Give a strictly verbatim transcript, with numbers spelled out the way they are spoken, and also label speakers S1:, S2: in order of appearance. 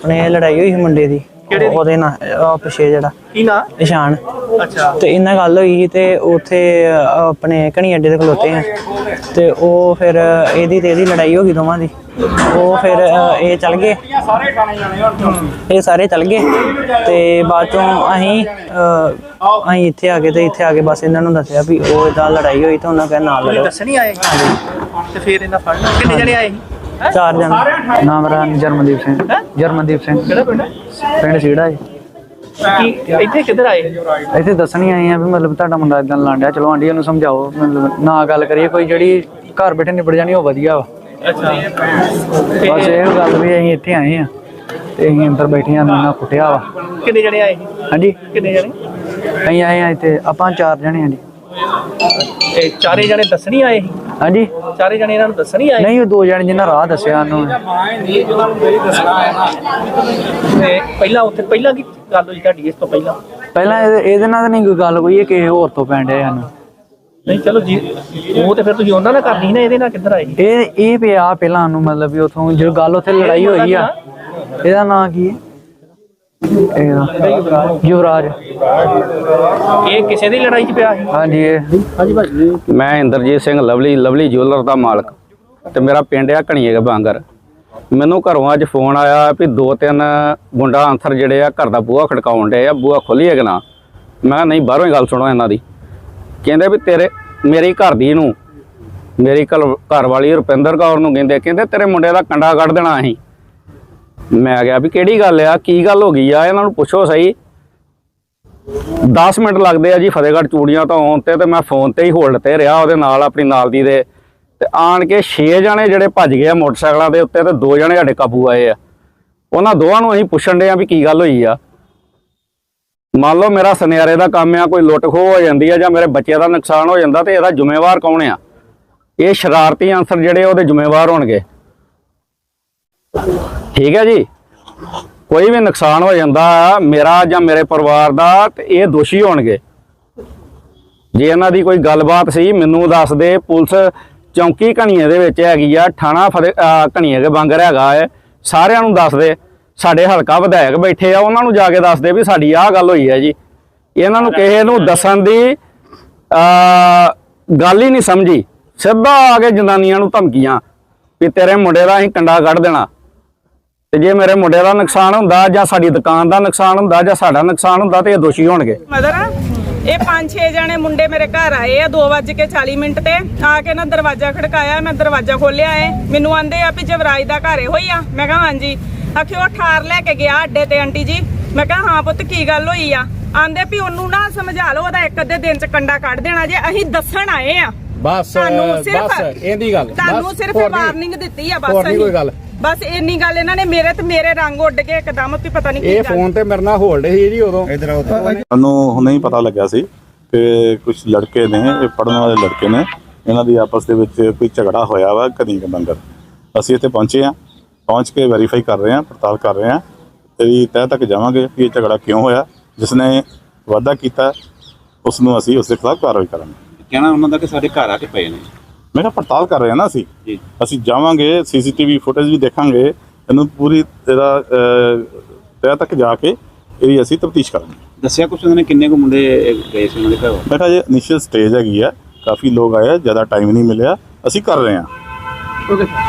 S1: ਆਪਣੇ ਲੜਾਈ ਹੋਈ ਸੀ ਮੁੰਡੇ ਦੀ ਉਹਦੇ ਨਾਲ ਪਿੱਛੇ ਜਿਹੜਾ
S2: ਕੀ ਨਾਂ
S1: ਇਸ਼ਾਨ।
S2: ਅੱਛਾ
S1: ਤੇ ਇਹਨਾਂ ਗੱਲ ਹੋਈ ਤੇ ਉੱਥੇ ਆਪਣੇ ਘਣੀ ਅੱਡੇ ਤੇ ਖਲੋਤੇ ਆ ਤੇ ਉਹ ਫਿਰ ਇਹਦੀ ਤੇ ਇਹਦੀ ਲੜਾਈ ਹੋ ਗਈ ਦੋਵਾਂ ਦੀ। ਉਹ ਫਿਰ ਇਹ ਚੱਲ ਗਏ, ਇਹ ਸਾਰੇ ਚੱਲ ਗਏ ਤੇ ਬਾਅਦ ਚੋਂ ਅਸੀਂ ਅਸੀਂ ਇੱਥੇ ਆ ਗਏ ਤੇ ਇੱਥੇ ਆ ਕੇ ਬਸ ਇਹਨਾਂ ਨੂੰ ਦੱਸਿਆ ਵੀ ਉਹ ਇਦਾਂ ਲੜਾਈ ਹੋਈ ਤੇ ਉਹਨਾਂ ਕਹਿੰਦਾ ਨਾਲ ਲੜੋ।
S2: ਦੱਸਣੀ ਆਏ ਤੇ ਫਿਰ ਇਹਨਾਂ ਫੜ ਲਿਆ। ਕਿੰਨੇ ਜਣੇ ਆਏ ਸੀ?
S1: ਚਾਰ ਜਣੇ। ਨਾਮ ਮੇਰਾ ਜਰਮਨਦੀਪ ਸਿੰਘ। ਜਰਮਨਦੀਪ ਸਿੰਘ।
S2: ਕਿਹੜਾ ਪਿੰਡ?
S1: ਪਿੰਡ ਸੀੜਾ ਜੀ।
S2: ਕੀ ਇੱਥੇ ਕਿੱਧਰ ਆਏ?
S1: ਇੱਥੇ ਦੱਸਣੀ ਆਏ ਆ ਵੀ ਮਤਲਬ ਤੁਹਾਡਾ ਮੁੰਡਾ ਇਦਾਂ ਲਾਂਡਿਆ, ਚਲੋ ਆਂਟੀ ਨੂੰ ਸਮਝਾਓ, ਮਤਲਬ ਨਾ ਗੱਲ ਕਰੀਏ ਕੋਈ ਜਿਹੜੀ ਘਰ ਬੈਠੇ ਨਿਬੜ ਜਾਣੀ ਉਹ ਵਧੀਆ ਵਾ।
S2: ਅੱਛਾ
S1: ਬਸ ਇਹ ਗੱਲ ਵੀ ਅਸੀਂ ਇੱਥੇ ਆਏ ਆ ਤੇ ਅਸੀਂ ਅੰਦਰ ਬੈਠੇ ਆ, ਨਾ ਕੁੱਟਿਆ ਵਾ।
S2: ਕਿੰਨੇ ਜਣੇ ਆਏ ਸੀ?
S1: ਹਾਂਜੀ
S2: ਕਿੰਨੇ ਜਣੇ?
S1: ਅਸੀਂ ਆਏ ਆ ਇੱਥੇ ਆਪਾਂ ਚਾਰ ਜਣੇ ਆ ਜੀ।
S2: ਇਹ ਚਾਰੇ ਜਣੇ ਦੱਸਣੀ ਆਏ ਸੀ?
S1: ਹਾਂਜੀ
S2: ਚਾਰੇ ਜਣੇ ਇਹਨਾਂ ਨੂੰ ਦੱਸਣੀ ਆਏ?
S1: ਨਹੀਂ, ਉਹ ਦੋ ਜਣੇ ਜਿਨ੍ਹਾਂ ਰਾਹ ਦੱਸਿਆ ਉਹਨੂੰ।
S2: ਤੇ ਪਹਿਲਾਂ ਉੱਥੇ ਪਹਿਲਾਂ ਕੀ ਗੱਲ ਹੋਈ ਤੁਹਾਡੀ ਇਸ ਤੋਂ ਪਹਿਲਾਂ?
S1: ਪਹਿਲਾਂ ਇਹਦੇ ਨਾਲ ਤਾਂ ਨਹੀਂ ਕੋਈ ਗੱਲ ਕੋਈ, ਕਿਸੇ ਹੋਰ ਤੋਂ ਪੈਣ ਡਿਆ ਸਾਨੂੰ।
S2: ਨਹੀਂ ਚਲੋ ਜੀ, ਉਹ ਤੇ ਫਿਰ ਤੁਸੀਂ ਉਹਨਾਂ ਨਾਲ ਕਰਨੀ ਸੀ ਨਾ, ਇਹਦੇ ਨਾਲ ਕਿੱਧਰ ਆਏ?
S1: ਇਹ ਇਹ ਪਿਆ ਪਹਿਲਾਂ ਉਹਨੂੰ, ਮਤਲਬ ਵੀ ਉਥੋਂ ਜਦੋਂ ਗੱਲ ਉੱਥੇ ਲੜਾਈ ਹੋਈ ਆ। ਇਹਦਾ ਨਾਂ ਕੀ ਹੈ? ਯੁਵਰਾਜ।
S2: ਇਹ ਕਿਸੇ ਦੀ ਲੜਾਈ 'ਚ ਪਿਆ ਸੀ?
S1: ਹਾਂਜੀ ਇਹ ਹਾਂਜੀ ਭਾਜੀ।
S3: ਮੈਂ Inderjit Singh lovely lovely jeweller ਦਾ ਮਾਲਕ ਤੇ ਮੇਰਾ ਪਿੰਡ ਆ ਘਣੀਏ ਬਾਂਗਰ। ਮੈਨੂੰ ਘਰੋਂ ਅੱਜ ਫੋਨ ਆਇਆ ਵੀ ਦੋ ਤਿੰਨ ਗੁੰਡਾ ਅੰਸਰ ਜਿਹੜੇ ਆ ਘਰ ਦਾ ਬੂਹਾ ਖੜਕਾਉਣ ਡੇ ਆ, ਬੂਹਾ ਖੋਲੀਏ ਕਿ ਨਾ। ਮੈਂ ਨਹੀਂ, ਬਾਹਰੋਂ ਹੀ ਗੱਲ ਸੁਣੋ ਇਹਨਾਂ ਦੀ। ਕਹਿੰਦੇ ਵੀ ਤੇਰੇ ਮੇਰੀ ਘਰ ਦੀ ਨੂੰ ਮੇਰੀ ਘਰ ਵਾਲੀ ਰੁਪਿੰਦਰ ਕੌਰ ਨੂੰ ਕਹਿੰਦੇ ਕਹਿੰਦੇ ਤੇਰੇ ਮੁੰਡੇ ਦਾ ਕੰਡਾ ਕੱਢ ਦੇਣਾ ਅਸੀਂ। ਮੈਂ ਕਿਹਾ ਵੀ ਕਿਹੜੀ ਗੱਲ ਆ, ਕੀ ਗੱਲ ਹੋ ਗਈ ਆ, ਇਹਨਾਂ ਨੂੰ ਪੁੱਛੋ ਸਹੀ। ਦਸ ਮਿੰਟ ਲੱਗਦੇ ਆ ਜੀ ਫਤਿਹਗੜ੍ਹ ਚੂੜੀਆਂ ਤੋਂ ਆਉਣ ਤੇ ਤੇ ਮੈਂ ਫੋਨ ਤੇ ਹੀ ਹੋਲਡ ਤੇ ਰਿਹਾ ਉਹਦੇ ਨਾਲ, ਆਪਣੀ ਨਾਲ ਦੀ ਦੇ। ਤੇ ਆਣ ਕੇ ਛੇ ਜਣੇ ਜਿਹੜੇ ਭੱਜ ਗਏ ਆ ਮੋਟਰਸਾਈਕਲਾਂ ਦੇ ਉੱਤੇ ਤੇ ਦੋ ਜਣੇ ਸਾਡੇ ਕਾਬੂ ਆਏ ਆ। ਉਹਨਾਂ ਦੋਵਾਂ ਨੂੰ ਅਸੀਂ ਪੁੱਛਣ ਦੇ ਆ ਵੀ ਕੀ ਗੱਲ ਹੋਈ ਆ। ਮੰਨ ਲਓ ਮੇਰਾ ਸੁਨਿਆਰੇ ਦਾ ਕੰਮ ਆ, ਕੋਈ ਲੁੱਟ ਖੋਹ ਹੋ ਜਾਂਦੀ ਆ ਜਾਂ ਮੇਰੇ ਬੱਚੇ ਦਾ ਨੁਕਸਾਨ ਹੋ ਜਾਂਦਾ ਤੇ ਇਹਦਾ ਜ਼ਿੰਮੇਵਾਰ ਕੌਣ ਆ? ਇਹ ਸ਼ਰਾਰਤੀ ਅਨਸਰ ਜਿਹੜੇ ਉਹਦੇ ਜ਼ਿੰਮੇਵਾਰ ਹੋਣਗੇ। ਠੀਕ ਹੈ ਜੀ, ਕੋਈ ਵੀ ਨੁਕਸਾਨ ਹੋ ਜਾਂਦਾ ਮੇਰਾ ਜਾਂ ਮੇਰੇ ਪਰਿਵਾਰ ਦਾ ਤੇ ਇਹ ਦੋਸ਼ੀ ਹੋਣਗੇ। ਜੇ ਇਹਨਾਂ ਦੀ ਕੋਈ ਗੱਲਬਾਤ ਸੀ ਮੈਨੂੰ ਦੱਸ ਦੇ। ਪੁਲਿਸ ਚੌਂਕੀ ਘਣੀਏ ਦੇ ਵਿੱਚ ਹੈਗੀ ਆ, ਥਾਣਾ ਫਤਿਹ ਘਣੀਏ ਦੇ ਬਾਂਗਰ ਹੈਗਾ ਹੈ, ਸਾਰਿਆਂ ਨੂੰ ਦੱਸ ਦੇ। ਸਾਡੇ ਹਲਕਾ ਵਿਧਾਇਕ ਬੈਠੇ ਆ, ਉਹਨਾਂ ਨੂੰ ਜਾ ਕੇ ਦੱਸ ਦੇ ਵੀ ਸਾਡੀ ਆਹ ਗੱਲ ਹੋਈ ਹੈ ਜੀ। ਇਹਨਾਂ ਨੂੰ ਕਿਸੇ ਨੂੰ ਦੱਸਣ ਦੀ ਗੱਲ ਹੀ ਨਹੀਂ ਸਮਝੀ, ਸਿੱਧਾ ਆ ਕੇ ਜਨਾਨੀਆਂ ਨੂੰ ਧਮਕੀਆਂ ਵੀ ਤੇਰੇ ਮੁੰਡੇ ਦਾ ਅਸੀਂ ਕੰਡਾ ਕੱਢ ਦੇਣਾ। ਤੇ ਜੇ ਮੇਰੇ ਮੁੰਡੇ ਦਾ ਨੁਕਸਾਨ ਹੁੰਦਾ ਜਾਂ ਸਾਡੀ ਦੁਕਾਨ ਦਾ ਨੁਕਸਾਨ ਹੁੰਦਾ ਜਾਂ ਸਾਡਾ ਨੁਕਸਾਨ ਹੁੰਦਾ ਤੇ ਇਹ ਦੋਸ਼ੀ ਹੋਣਗੇ।
S4: ਮਦਰ ਇਹ ਪੰਜ ਛੇ ਜਣੇ ਮੁੰਡੇ ਮੇਰੇ ਘਰ ਆਏ ਆ ਦੋ ਵੱਜ ਕੇ ਚਾਲੀ ਮਿੰਟ ਤੇ ਆ ਕੇ ਨਾ ਦਰਵਾਜ਼ਾ ਖੜਕਾਇਆ। ਮੈਂ ਦਰਵਾਜ਼ਾ ਖੋਲਿਆ ਏ, ਮੈਨੂੰ ਆਂਦੇ ਆ ਵੀ ਜਵਰਾਜ ਦਾ ਘਰ ਇਹੋ ਹੀ ਆ। ਮੈਂ ਕਿਹਾ ਹਾਂਜੀ। ਆਖਿਓ ਉਹ ਠਾਰ ਲੈ ਕੇ ਗਿਆ ਅੱਡੇ ਤੇ ਆਂਟੀ ਜੀ। ਮੈਂ ਕਿਹਾ ਹਾਂ ਪੁੱਤ ਕੀ ਗੱਲ ਹੋਈ ਆ? ਆਂਦੇ ਵੀ ਉਹਨੂੰ ਨਾ ਸਮਝਾ ਲਓ, ਉਹਦਾ ਇੱਕ ਅੱਧੇ ਦਿਨ ਚ ਕੰਡਾ ਕੱਢ ਦੇਣਾ। ਜੇ ਅਸੀਂ ਦੱਸਣ ਆਏ ਆ ਬਸ ਬਸ ਇਹਦੀ ਗੱਲ, ਤੁਹਾਨੂੰ ਸਿਰਫ ਵਾਰਨਿੰਗ ਦਿੱਤੀ ਆ ਬਸ। ਕੋਈ ਗੱਲ ਬਸ ਇੰਨੀ ਗੱਲ ਇਹਨਾਂ ਨੇ ਮੇਰੇ ਤੇ ਮੇਰੇ ਰੰਗ ਉੱਡ ਗਏ ਇੱਕਦਮ ਵੀ ਪਤਾ ਨਹੀਂ ਕੀ ਗੱਲ। ਇਹ ਫੋਨ ਤੇ ਮੇਰੇ ਨਾਲ ਹੋਲਡ ਸੀ ਜੀ ਉਦੋਂ।
S5: ਸਾਨੂੰ ਹੁਣੇ ਹੀ ਪਤਾ ਲੱਗਿਆ ਸੀ ਕਿ ਕੁਝ ਲੜਕੇ ਨੇ, ਇਹ ਪੜਨ ਵਾਲੇ ਲੜਕੇ ਨੇ, ਇਹਨਾਂ ਦੀ ਆਪਸ ਦੇ ਵਿੱਚ ਕੋਈ ਝਗੜਾ ਹੋਇਆ ਵਾ ਘਣੀ ਕੇ ਬੰਗਰ। ਅਸੀਂ ਇੱਥੇ ਪਹੁੰਚੇ ਹਾਂ, ਪਹੁੰਚ ਕੇ ਵੈਰੀਫਾਈ ਕਰ ਰਹੇ ਹਾਂ, ਪੜਤਾਲ ਕਰ ਰਹੇ ਹਾਂ। ਤੇਰੀ ਤਹਿ ਤੱਕ ਜਾਵਾਂਗੇ ਕਿ ਇਹ ਝਗੜਾ ਕਿਉਂ ਹੋਇਆ, ਜਿਸ ਨੇ ਵਾਅਦਾ ਕੀਤਾ ਉਸ ਨੂੰ ਅਸੀਂ ਉਸ ਦੇ ਖਿਲਾਫ ਕਾਰਵਾਈ ਕਰਾਂਗੇ।
S6: ਕਹਿਣਾ ਉਹਨਾਂ ਦਾ ਕਿ ਸਾਡੇ ਘਰ ਆ ਕੇ ਪਏ ਨੇ।
S5: ਮੈਂ ਕਿਹਾ ਪੜਤਾਲ ਕਰ ਰਹੇ ਹਾਂ ਨਾ ਅਸੀਂ ਅਸੀਂ ਜਾਵਾਂਗੇ, ਸੀਸੀਟੀਵੀ ਫੁਟੇਜ ਵੀ ਦੇਖਾਂਗੇ, ਇਹਨੂੰ ਪੂਰੀ ਇਹਦਾ ਤਹਿ ਤੱਕ ਜਾ ਕੇ ਇਹਦੀ ਅਸੀਂ ਤਫਤੀਸ਼ ਕਰਾਂਗੇ।
S6: ਦੱਸਿਆ ਕੁਛ ਉਹਨਾਂ ਨੇ ਕਿੰਨੇ ਕੁ ਮੁੰਡੇ ਗਏ ਸੀ ਉਹਨਾਂ ਦੇ ਘਰ?
S5: ਮੈਂ ਕਿਹਾ ਜੇ ਇਨੀਸ਼ੀਅਲ ਸਟੇਜ ਹੈਗੀ ਆ, ਕਾਫੀ ਲੋਕ ਆਏ, ਜ਼ਿਆਦਾ ਟਾਈਮ ਨਹੀਂ ਮਿਲਿਆ, ਅਸੀਂ ਕਰ ਰਹੇ ਹਾਂ।